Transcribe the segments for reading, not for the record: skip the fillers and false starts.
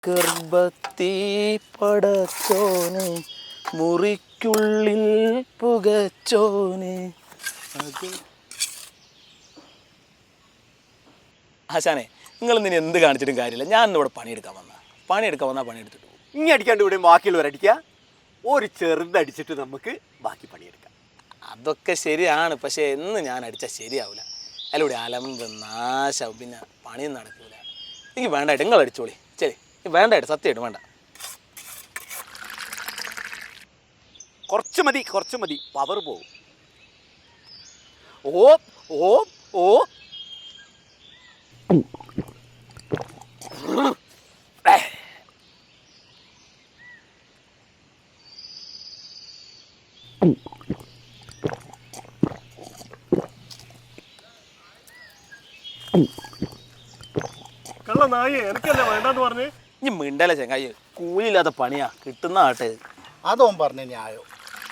ഗർഭത്തി പടച്ചോനെ മുറിക്കുള്ളിൽ പുകച്ചോനെ. ആശാനെ, നിങ്ങൾ ഇനി എന്ത് കാണിച്ചിട്ടും കാര്യമില്ല. ഞാൻ ഇന്നിവിടെ പണിയെടുക്കാൻ വന്നാൽ പണിയെടുത്തിട്ട് പോകും. ഇനി അടിക്കാണ്ട് ഇവിടെ ബാക്കിയുള്ളവരടിക്കുക. ഒരു ചെറുതടിച്ചിട്ട് നമുക്ക് ബാക്കി പണിയെടുക്കാം. അതൊക്കെ ശരിയാണ്, പക്ഷേ എന്ന് ഞാൻ അടിച്ചാൽ ശരിയാവില്ല. അതിലൂടെ അലമ്പ് നാശാവും, പിന്നെ പണിയും നടക്കൂല. എനിക്ക് വേണ്ടായിട്ട് നിങ്ങൾ അടിച്ചോളി. ശരി, വേണ്ടായിട്ട് സത്യമായിട്ട് വേണ്ട. കുറച്ച് മതി, പവർ പോകും. ഓ ഓ ഓ കള്ള നായി, എനിക്കല്ലേ വേണ്ടെന്ന് പറഞ്ഞ്. ഇനി മിണ്ടല്ലേ ചങ്ങായി, കൂലിയില്ലാത്ത പണിയാ കിട്ടുന്ന ആട്ടെ. അതോ പറഞ്ഞ ന്യായോ?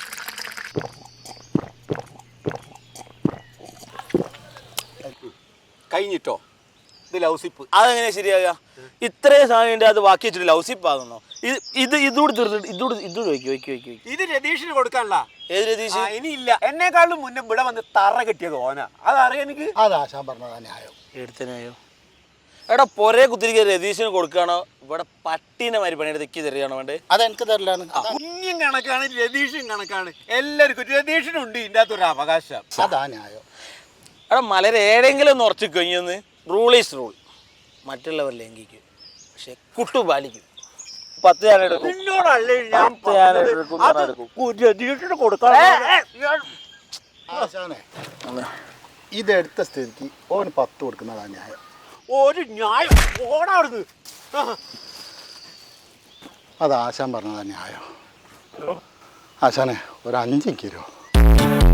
കഴിഞ്ഞിട്ടോ? ഇത് ലൗസിപ്പ്. അതെങ്ങനെ ശരിയാകുക? ഇത്രയും സാധനം അത് ബാക്കി വെച്ചിട്ട് ലൗസിപ്പ് ആകുന്നോ? ഇത് രതീഷിന് കൊടുക്കാനുള്ള. ഏത് രതീഷ്? ഇനിയില്ല, എന്നെക്കാളും മുന്നേ ഇവിടെ വന്ന് തറ കെട്ടിയത് ഓന. അതറിയാം എനിക്ക്. അതാശാൻ പറഞ്ഞതാ ന്യായോ? എടുത്തനായോ? എടാ പൊരേ കുത്തിരിക്കുക രതീഷിന് കൊടുക്കുകയാണോ ഇവിടെ പട്ടീനെ മാതിരി പണിയെടുത്ത് തെക്കി തരികയാണോ വേണ്ടേ? അതെനിക്ക് തരില്ലാണ്. കുഞ്ഞും കണക്കാണ്, രതീഷും കണക്കാണ്. എല്ലാവർക്കും രതീഷിനുണ്ട് ഇതിൻ്റെ അകത്തൊരു അവകാശം. അതാ ന്യായോ? എടാ മലരെ ഏടെങ്കിലും ഒന്ന് ഉറച്ചു കഴിഞ്ഞൊന്ന്. Rule is rule. മറ്റുള്ളവർ ലംഘിക്കും, പക്ഷെ കുട്ടു പാലിക്കും. 10 ഞാൻ എടുക്കും. രതീഷിന് കൊടുക്കാൻ ആശാനെ, ഇതെടുത്ത സ്ഥിതിക്ക് ഓന് 10 കൊടുക്കുന്നതാ ന്യായം. ഒരു ന്യായം ഓടാടുന്നു. അത് ആശാൻ പറഞ്ഞതാ ന്യായം. ആശാനെ, ഒരു 5 കിലോ